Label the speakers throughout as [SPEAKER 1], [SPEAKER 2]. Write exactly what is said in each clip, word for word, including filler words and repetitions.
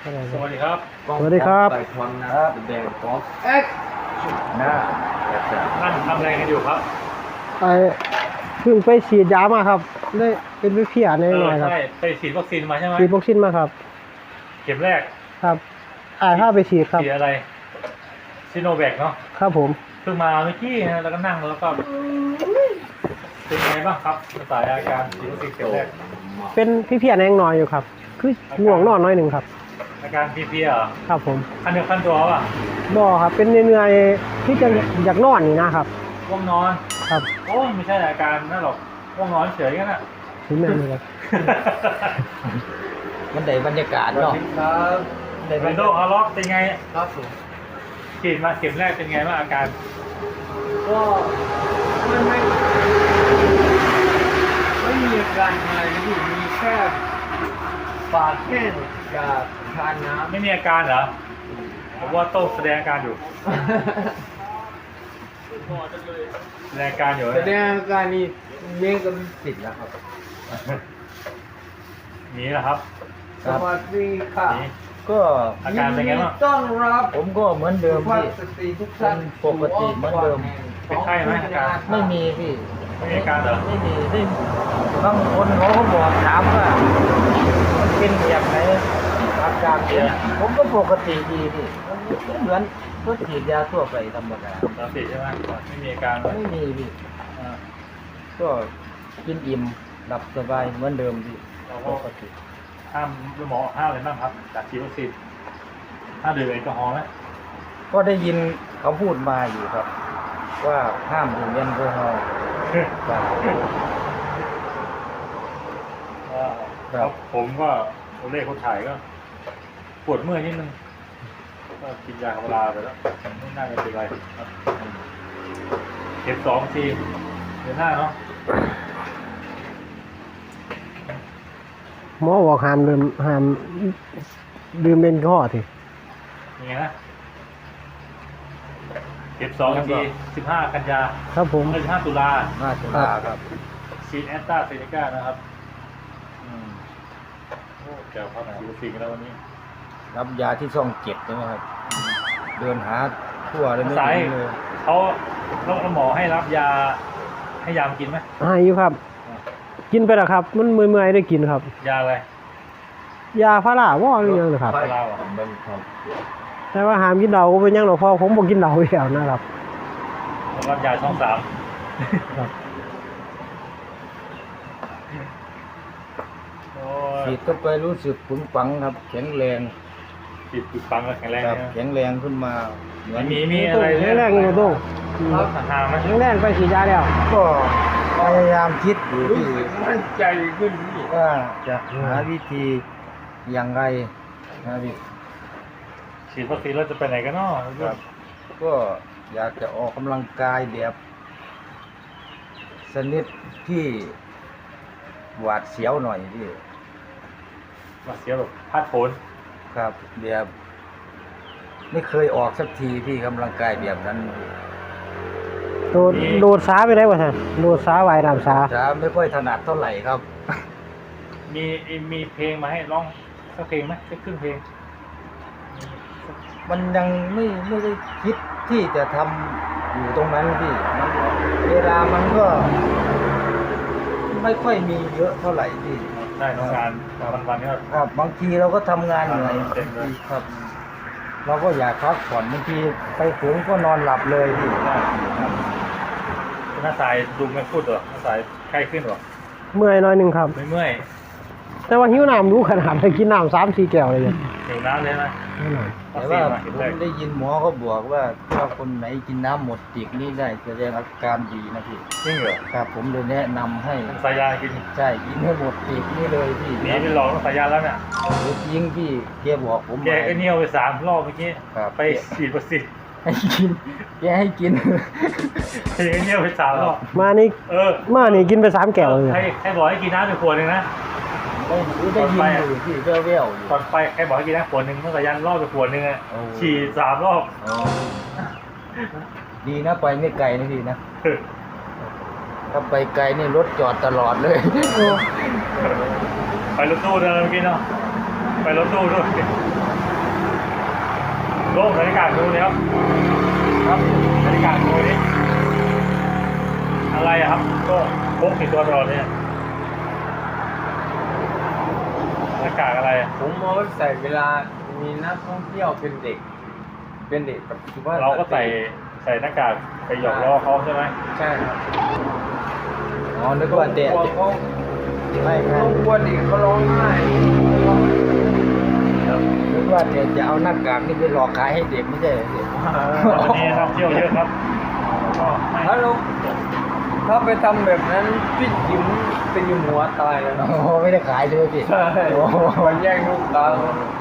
[SPEAKER 1] สวัสดีครับ
[SPEAKER 2] สวัสดีครับ
[SPEAKER 3] ไก่ทอนนะครับแดงกอล์ฟเอ็กหน้าแบบจะ
[SPEAKER 1] ท่านทำอะไรกันอยู่ครับ
[SPEAKER 2] ไอเพิ่งไปฉีดยามาครับได้เป็นวิเพียในหน่อยครับ
[SPEAKER 1] ใช่ไปฉีดวัคซีนมาใช่ไหม
[SPEAKER 2] ฉีดวัคซีนมาครับ
[SPEAKER 1] เข็มแรก
[SPEAKER 2] ครับไอ้ผ้าไปฉีดครับ
[SPEAKER 1] ฉีดอะไรซิโนแวคเนาะ
[SPEAKER 2] ครับผม
[SPEAKER 1] เพิ่งมาเมื่อกี้นะแล้วก็นั่งแล้วก็เป็นไงบ้างครับสายอาการฉีดวัคซีนเข็มแรก
[SPEAKER 2] เป็นวิเพียในหน่อยอยู่ครับ คือง่วงนอนน้อยหนึ่งครับ
[SPEAKER 1] อาการเพลียๆเหรอ
[SPEAKER 2] ครับผม
[SPEAKER 1] ขั้นเดียวขั้นตัวป่ะ
[SPEAKER 2] บ่ครับเป็นเหนื่อยๆที่จะอยากนอนนี่นะครับ
[SPEAKER 1] ง่วงนอน
[SPEAKER 2] ครับ
[SPEAKER 1] โอ้ยไม่ใช่อาการนั่นหรอกง่วงนอนเฉยกันน่ะ
[SPEAKER 2] ถึงแม่นี่ครับ
[SPEAKER 3] มันได้บรรยากาศเนาะครับ
[SPEAKER 1] เดนโดฮาร์ล็อกเป็นไง
[SPEAKER 3] ครับผม
[SPEAKER 1] ฉีดมาเข็มแรกเป็นไงบ้างอาการ
[SPEAKER 3] ก็มันไม่ไม่มีอาการอะไรนะพี่มีแค่ปากแห้งกับทานน้ำ
[SPEAKER 1] ไม่มีอาการเหรอผมว่าโต้งแสดงอาการอยู่แสดงอาการอยู่
[SPEAKER 3] แสดงอาการนี้เลี้ยงกันติดแล้วครับ
[SPEAKER 1] นี่แหละครับ
[SPEAKER 3] สวัสดีค่ะ
[SPEAKER 1] นี่
[SPEAKER 4] ก็
[SPEAKER 1] อาการเป็นไงบ้าง
[SPEAKER 3] ต้อนรับ
[SPEAKER 4] ผมก็เหมือนเดิม
[SPEAKER 3] สุภาพ
[SPEAKER 4] พี่
[SPEAKER 3] สตรีทุกท่าน
[SPEAKER 4] ปกติเหมือนเดิม
[SPEAKER 1] เป็นไข้ไหมอาการ
[SPEAKER 4] ไม่มีพี่
[SPEAKER 1] ไม่มีอาการเหรอ
[SPEAKER 4] ไม่มีไม่บางคนเขาก็บอกถามว่ามันเป็นแบบไหนอาการเนี่ยผมก็ปกติดีพี่มันเหมือนก็ฉีดยาทั่วไปธรรมดา
[SPEAKER 1] ปกติใช่ไหมไม่มีอาการเลย
[SPEAKER 4] ไม่มีพี่
[SPEAKER 1] อ่า
[SPEAKER 4] ก็กินอิ่มหลับสบายเหมือนเดิมพี่
[SPEAKER 1] เรา
[SPEAKER 4] ป
[SPEAKER 1] ก็
[SPEAKER 4] กติ
[SPEAKER 1] ห้ามหมอห้ามอะไรบ้างครับจากฉีดวัคซีนห้ามดื่มแอลกอฮอล์ไหม
[SPEAKER 4] ก็ได้ยินเขาพูดมาอยู่ครับ ว่าห้ามดื่มแอลกอฮอล์ครับ
[SPEAKER 1] อ่าครับผมก็ตัวเลขคนถ่ายก็ปวดเมื่อยนิดนึงก็กินยาคาราไปแล้วไม่น่าจะเป็นไรครับเข็มสองทีเดือนหน้าเนาะ
[SPEAKER 2] หมอบอกห้ามดื่มห้ามดื่มเป็นข้อที
[SPEAKER 1] ยังไงนะเข็มสองทีสิบห้ากันยา
[SPEAKER 2] ครับผม
[SPEAKER 1] สิบห้าตุลา
[SPEAKER 4] น่าจะลาครับ
[SPEAKER 1] ฉีดแอสตราเซเนกานะครับอืมโอ้แก้วครับฉีดวัคซีนกันแล้ววันนี้
[SPEAKER 4] รับยาที่ช่องเจ็ดใช่ไหมครับ เดินหาทั่วเลยไม่
[SPEAKER 1] สาย
[SPEAKER 4] เจอเลย
[SPEAKER 1] เขาแล้วหมอให้รับยาให้ยามกินไหม
[SPEAKER 2] ให้อยู่ครับ กินไปแล้วครับ มันเมื่อยๆได้กินครับ
[SPEAKER 1] ยาอะไร
[SPEAKER 2] ยาพาราว่าหรือยังนะครับ
[SPEAKER 1] พาราเหรอ
[SPEAKER 4] เบิ่งครับ
[SPEAKER 2] แต่ว่าห้ามกินเหล้าก็เป็นหยังหรอกเพราะผมบ่กินเหล้าอยู่แล้วนะครับ
[SPEAKER 1] แล้วรับยาช่องสาม
[SPEAKER 2] ครับ
[SPEAKER 1] โอ้ย
[SPEAKER 4] ฉีดเข้าไปรู้สึกปึงปังครับ แข็งแรง
[SPEAKER 1] ฉีดปิดปังแล้วแข็งแรง
[SPEAKER 4] ครับ
[SPEAKER 1] นะ
[SPEAKER 4] แข็งแรงขึ้นมาเหมือน
[SPEAKER 1] มีมีอะไร
[SPEAKER 2] แข็งแรงอยู่ตรง
[SPEAKER 1] ครับหาไหม
[SPEAKER 2] แข็งแรงไปฉีดยาแล้ว
[SPEAKER 4] ก็พยายามคิดอยู่
[SPEAKER 3] รู้
[SPEAKER 4] ที่
[SPEAKER 3] สึกมั่นใจขึ้นพี่
[SPEAKER 4] ว่าจะหาวิธีอย่างไรนะพี่
[SPEAKER 1] ฉีดวัคซีนแล้วจะไปไหนกันเนาะ
[SPEAKER 4] ครับ ก็อยากจะออกกำลังกายแบบชนิดที่หวาดเสียวหน่อยพี่
[SPEAKER 1] มาเสียแบบพลาดโผน
[SPEAKER 4] ครับแบบไม่เคยออกสักทีพี่กำลังกายแบบนั้น
[SPEAKER 2] โดดโดดสาไปได้บ่ท่านโดดสาว่ายน้ำสา
[SPEAKER 4] จะไม่ค่อยถนัดเท่าไหร่ครับ
[SPEAKER 1] มีมีเพลงมาให้ร้องสักเพลงไหมสักครึ่งเพลง
[SPEAKER 4] มันยังไม่ไม่ได้คิดที่จะทำอยู่ตรงนั้นพี่มันเวลามันก็ ไม่ค่อยมีเยอะเท่าไหร่พี่
[SPEAKER 1] ได้ทำงานวันวันๆนี้ก็
[SPEAKER 4] ครับบางทีเราก็ทำงานเหนื่อย
[SPEAKER 1] เต็มเลย
[SPEAKER 4] ครับ เราก็อยากพักผ่อนบางทีไปถึงก็นอนหลับเลยพี่ครับ
[SPEAKER 1] หน้าสายดูไม่พูดเหรอหน้าสายใกล้ขึ้นเหรอ
[SPEAKER 2] เมื่อยหน้อยหนึงครับ
[SPEAKER 1] ไม่เมื่อย
[SPEAKER 2] แต่ว่าหิวน้ำรู้ขนาดไปกินน้ำสามสี่แก้วเลยเนี่ย
[SPEAKER 1] หิวน้ำเลยไหม
[SPEAKER 2] ไม่หน่อย
[SPEAKER 4] แต่ว่าผมได้ยินหมอเขาบอกว่าถ้าคนไหนกินน้ำหมดติกนี่ได้แสดงอาการดีนะพี่
[SPEAKER 1] จริงเหรอ
[SPEAKER 4] ครับผมเลยแนะนำให้
[SPEAKER 1] มันสายยากิน
[SPEAKER 4] ใช่กินให้หมดติกนี่เลยพี่
[SPEAKER 1] หนีไปหลอกต้องสายยาแล้วเนี่ย
[SPEAKER 4] หรือยิงพี่แกบอกผม
[SPEAKER 1] แกก็เนียวไปสามรอบเมื่อกี้
[SPEAKER 4] ครับ
[SPEAKER 1] ไปฉีดวัคซีน
[SPEAKER 4] ให้กินแกให้กิน
[SPEAKER 1] แกก็เนียวไปสามรอบ
[SPEAKER 2] มานี่
[SPEAKER 1] เออ
[SPEAKER 2] มานี่กินไปสามแก้วเลย
[SPEAKER 1] ใครใครบอกให้กินน้ำไปขวดหนึ่งนะ
[SPEAKER 4] ได้ได้ยินอยู่พี่แว่วๆอยู่
[SPEAKER 1] ตอนไปใครบอกให้กินน้ำขวดหนึ่งต้องสายยารอบไปขวดหนึ่งอะ
[SPEAKER 4] โอ้
[SPEAKER 1] ฉีดสามรอบ
[SPEAKER 4] อ๋อดีนะไปไม่ไกลนะพี่นะถ้าไปไกลนี่รถจอดตลอดเลย
[SPEAKER 1] ไปรถตู้ด้วยเมื่อกี้เนาะไปรถตู้ด้วยโลกบรรยากาศดูเลยครับ
[SPEAKER 3] ครับ
[SPEAKER 1] บรรยากาศดูนี่อะไรอะครับก็พกติดตัวตลอดเนี่ยบรรยากาศอะไรอะ
[SPEAKER 3] ผมเอาไว้ใส่เวลามีนักท่องเที่ยวเป็นเด็ก เป็นเด็กกับสุภาพสต
[SPEAKER 1] เราก็ใส่ใส่หน้ากากไปหยอกล้อเขาใช่ไหม
[SPEAKER 3] ใช่ครับ
[SPEAKER 4] อ๋อนึกว่าเด็ก
[SPEAKER 3] กลัวเขา
[SPEAKER 4] ไม่ไม่
[SPEAKER 3] เขากลัวเด็กเขาร้องไห้
[SPEAKER 4] นึกว่าเด็กจะเอาหน้ากากนี่ไปหลอกขายให้เด็กไม่ใช่เหรอเด็ก
[SPEAKER 1] วันนี้นักเที่ยวเยอะครับก็ไม่
[SPEAKER 3] ถ้าเราถ้าไปทำแบบนั้นพี่จิ๋มตีหัวตายแล้วนะ
[SPEAKER 4] โอ้โหไม่ได้ขายใช่ไหมพี่
[SPEAKER 3] ใช่
[SPEAKER 4] โอ้โห
[SPEAKER 3] มันแย่งลูกตา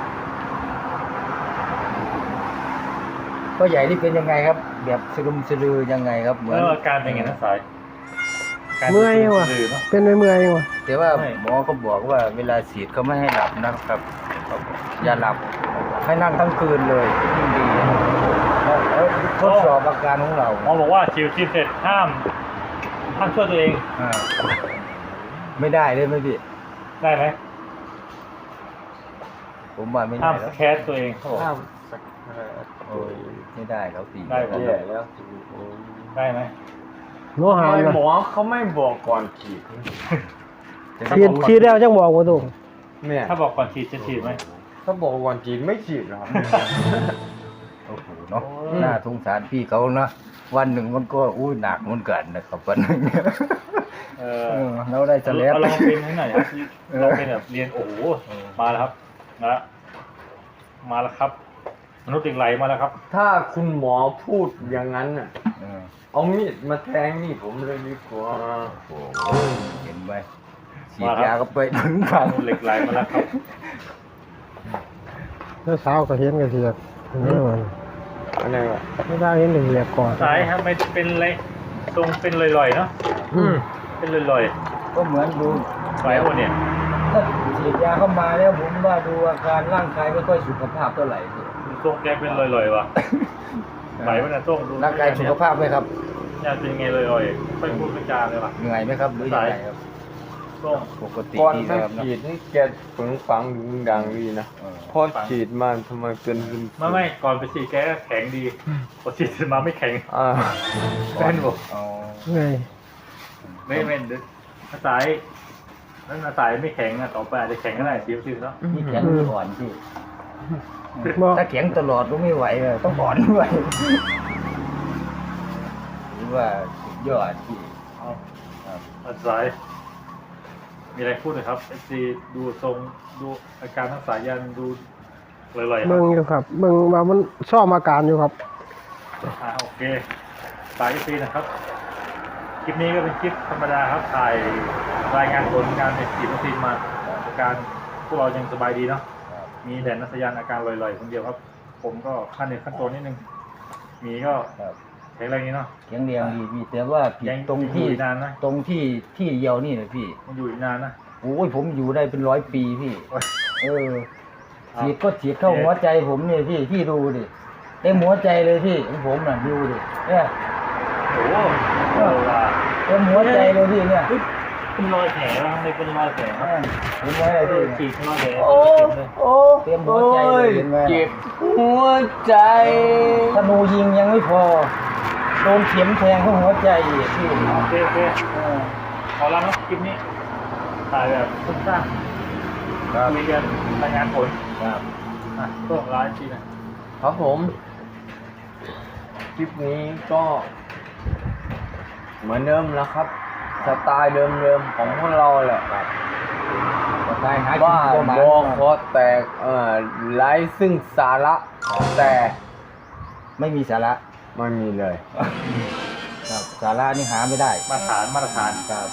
[SPEAKER 4] พ่อใหญ่นี่เป็นยังไงครับ แบบสลุมสลือยังไงครับเหมือน
[SPEAKER 1] แล้วอาการเป็นไงนะสายการ
[SPEAKER 2] เมื่อยว่ะ
[SPEAKER 1] สื่อเนอะ
[SPEAKER 2] เป็นเมื่อยๆว่ะ
[SPEAKER 4] แต่ว่า
[SPEAKER 1] ไม่
[SPEAKER 4] หมอก็บอกว่าเวลาฉีดเขาไม่ให้หลับนะครับอย่าหลับให้นั่งทั้งคืนเลยยิ่งดีแล้วแล้วทดสอบอาการของเรา
[SPEAKER 1] หมอบอกว่าฉีดฉีดเสร็จห้ามห้ามช่วยตัวเอง
[SPEAKER 4] อ่าไม่ได้เลยไหมพี่
[SPEAKER 1] ได้ไหม
[SPEAKER 4] ผมว่าไม่
[SPEAKER 1] ห้า
[SPEAKER 4] ได้
[SPEAKER 1] ม
[SPEAKER 4] แล้ว
[SPEAKER 1] แคสตัวเองเขาบอก
[SPEAKER 3] ห้ามสัก
[SPEAKER 4] โอ้ยไม่ได้แล้วตี
[SPEAKER 1] ได้ครับ
[SPEAKER 3] แย่แล้ว
[SPEAKER 1] ได้ไหม
[SPEAKER 2] หมอหาม
[SPEAKER 3] ทำไม
[SPEAKER 2] นะ
[SPEAKER 3] หมอเขาไม่บอกก่อนฉีด
[SPEAKER 2] ฉีดฉีดแล้วจังบอกว่าถูก
[SPEAKER 3] เนี่ย
[SPEAKER 1] ถ้าบอกก่อนฉีดจะฉีดไหม
[SPEAKER 3] ถ้าบอกก่อนฉีดไม่ฉีดหรอก
[SPEAKER 4] โอ้โหเนาะ
[SPEAKER 1] โอ้ย
[SPEAKER 4] น่าสงสารพี่เขานะวันหนึ่งมันก็อุ้ยหนักเหมือนกันนะครับวันหนึง
[SPEAKER 1] เอ
[SPEAKER 4] เอ
[SPEAKER 1] อ
[SPEAKER 4] อเราได้จะแล้ว
[SPEAKER 1] เอาลองเป็นให้หน่อยครับ
[SPEAKER 4] เออ
[SPEAKER 1] ลองเป็นแบบเรียนโอ้โหมาแล้วครับมาแล้วมาแล้วครับ มนุษย์เหล็กไหลมาแล้วครับ
[SPEAKER 3] ถ้าคุณหมอพูดอย่างนั้นน่ะ
[SPEAKER 4] เออ
[SPEAKER 3] เอามีดมาแทงนี่ผมเลยดีกว่า
[SPEAKER 4] โอ้โหเห็นไหมฉีดยาก็ไปถึงฝัง
[SPEAKER 1] มนุษย์เหล็กไหลมาแล้วครับ
[SPEAKER 2] แล้วเช้าก็เห็นกันเสียกนี่มัน
[SPEAKER 3] อะไรวะ
[SPEAKER 2] ไม่ได้เห็นเสียกก่อน
[SPEAKER 1] สายทำไมเป็นอะไรทรงเป็นลอยๆเนาะ
[SPEAKER 2] อืม
[SPEAKER 1] เป็นลอย
[SPEAKER 4] ก็เหมือนดู
[SPEAKER 1] ๆไหวหมดเนี่ย
[SPEAKER 4] ถ้าฉีดยาเข้ามาแล้วผมว่าดูอาการร่างกายไม่ค่อยสุขภาพเท่าไหร่พี่
[SPEAKER 1] ทรงแกเป็นลอยๆว่ะไหววะเนี่ยทรงดู
[SPEAKER 4] ร่างกายสุขภาพไหมครับ
[SPEAKER 1] เนี่ยเป็นไงลอยๆไม่พูดไม่จาเลยว่ะ
[SPEAKER 4] เหนื่อยไหมครับหรือยังไงครับ
[SPEAKER 1] ทรง
[SPEAKER 4] ปกติ
[SPEAKER 3] ก่อน
[SPEAKER 4] ดี
[SPEAKER 3] ไม่
[SPEAKER 4] ครับเนอะ
[SPEAKER 3] ฉีดนี่แกปึงฝังดึงดังดีนะ
[SPEAKER 4] เออ
[SPEAKER 3] พอฉีดมาทำไมเป็นซึม
[SPEAKER 1] ไม่ไม่ก่อนไปฉีดแกก็แข็งดีพอฉีดเสร็จมาไม่แข็ง
[SPEAKER 3] อ่า
[SPEAKER 1] เป็นบอก
[SPEAKER 4] อ๋อ
[SPEAKER 2] ไง
[SPEAKER 1] ไม่ไม่ดึกอาศัยนั่นอาศัยไม่แข็งอะต่อไปอาจจะแข็งก็ได้ฉีดฉีดเนาะ
[SPEAKER 4] นี่แข็งหรืออ่อนพี่
[SPEAKER 2] บอก
[SPEAKER 4] ถ้าแข็งตลอดก็ไม่ไหวเลยต้องอ่อนด้วยหรือว่าสุดยอดพี่
[SPEAKER 1] เอา
[SPEAKER 4] ครับ
[SPEAKER 1] อาศัยมีอะไรพูดหน่อยครับเอฟซีดูทรงดูอาการทั้งสายยันดูลอยๆครั
[SPEAKER 2] เบิ่
[SPEAKER 1] บ
[SPEAKER 2] งอยู่ครับเบิ่งว่ามันซ่อมอาการอยู่ครับ
[SPEAKER 1] อ่าโอเคสายเอฟซีนะครับคลิปนี้ก็เป็นคลิปธรรมดาครับถ่ายรายงานผลการฉีดวัคซีนมาอาการพวกเรายังสบายดีเนาะ
[SPEAKER 4] ครับ
[SPEAKER 1] มีแต่นักสยานอาการลอยๆคนเดียวครับ ผมก็ขั้นหนึ่งขั้นตัวนิดนึงมีก็
[SPEAKER 4] ครับ
[SPEAKER 1] แข็งแรงนี้เนาะ
[SPEAKER 4] แข็งแรงดีพี่แต่ว่าผิด
[SPEAKER 1] ยัง
[SPEAKER 4] ตรง
[SPEAKER 1] อยู่
[SPEAKER 4] ที่
[SPEAKER 1] อีกนานนะ
[SPEAKER 4] ตรงที่ที่เดียวนี่นะพี่
[SPEAKER 1] มันอยู่อีกนานนะ
[SPEAKER 4] โอ้ยผมอยู่ได้เป็นร้อยปีพี่
[SPEAKER 1] โอ้ย
[SPEAKER 4] เออฉีดก็ฉีดเข้าหัวใจผมเนี่ยพี่พี่ดูดิเต็มหัวใจเลยพี่ของผมน่ะดูดิเนี่ย
[SPEAKER 1] โอ้โหเออว่ะ
[SPEAKER 4] เต็มหัวใจเลยพี่เนี่ย
[SPEAKER 1] เฮ้ยเป็นรอยแผลวะทำไมเป็นรอยแผล
[SPEAKER 4] เอ
[SPEAKER 1] วะ
[SPEAKER 4] อเห็นไหมล่ะ
[SPEAKER 1] เอ
[SPEAKER 4] พี่
[SPEAKER 1] อฉีดเป็นรอยแผล
[SPEAKER 3] โอ้
[SPEAKER 1] เจ็บเลย
[SPEAKER 3] โอ้
[SPEAKER 4] เตรียมหัวใจเลยเห็นไหม
[SPEAKER 3] เจ็บหัวใจ
[SPEAKER 4] ธนูยิงยังไม่พอโดนเข็มแทงเข้าหัวใจอีกพี่
[SPEAKER 1] โอเคโอเค
[SPEAKER 4] เออ
[SPEAKER 1] ขอลาเนาะคลิปนี้ถ่ายแบบสั้น
[SPEAKER 4] ครับ
[SPEAKER 1] ๆคุยกันรายงานผล
[SPEAKER 4] ครับ
[SPEAKER 1] อ่ะก็ไลฟ์ทีนะครับ
[SPEAKER 3] ผม คลิปนี้ก็ เหมือนเดิมแล้วครับ สไตล์เดิมๆของพวกเราแหละ
[SPEAKER 4] ก็ตายหากิน
[SPEAKER 3] ว่า
[SPEAKER 4] ตัวหมา
[SPEAKER 3] บอคอแตกเอ่อไร้ซึ่งสาระแต่
[SPEAKER 4] ไม่มีสาระ
[SPEAKER 3] ไม่มีเลย
[SPEAKER 4] ครับสาระนี่หาไม่ได้
[SPEAKER 1] มาตรฐานมาตรฐาน
[SPEAKER 4] ครับ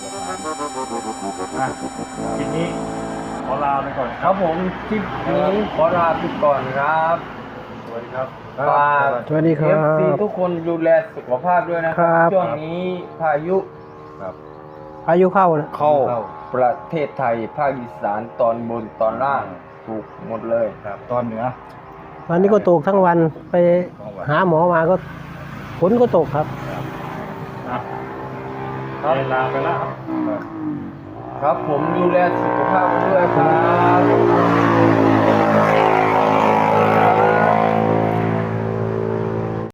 [SPEAKER 1] อ่ะคลิปนี้ขอลาไปก่อน
[SPEAKER 3] ครับผมคลิปนี้ขอลาไปก่อนครับ
[SPEAKER 1] สวัสดีครับ
[SPEAKER 3] ฝาก
[SPEAKER 2] สวัสดีครั
[SPEAKER 3] เอฟซี
[SPEAKER 2] บ
[SPEAKER 3] ทุกคนดูแลสุขภาพด้วยนะค
[SPEAKER 2] ครั
[SPEAKER 3] รับ ช่วงนี้พายุ
[SPEAKER 4] ครับ
[SPEAKER 2] พายุเข้านะ
[SPEAKER 3] เข้าประเทศไทยภาคอีสานตอนบนตอนล่างถูกหมดเลย
[SPEAKER 4] ครับตอนเหนือ
[SPEAKER 2] วันนี้ก็ตกทั้งวันไปหาหมอมาก็ฝนก็ตกครับ
[SPEAKER 1] อ่ะเวลาไปแล้วครับ
[SPEAKER 3] ครับผมดูแลสุขภาพด้วยครับ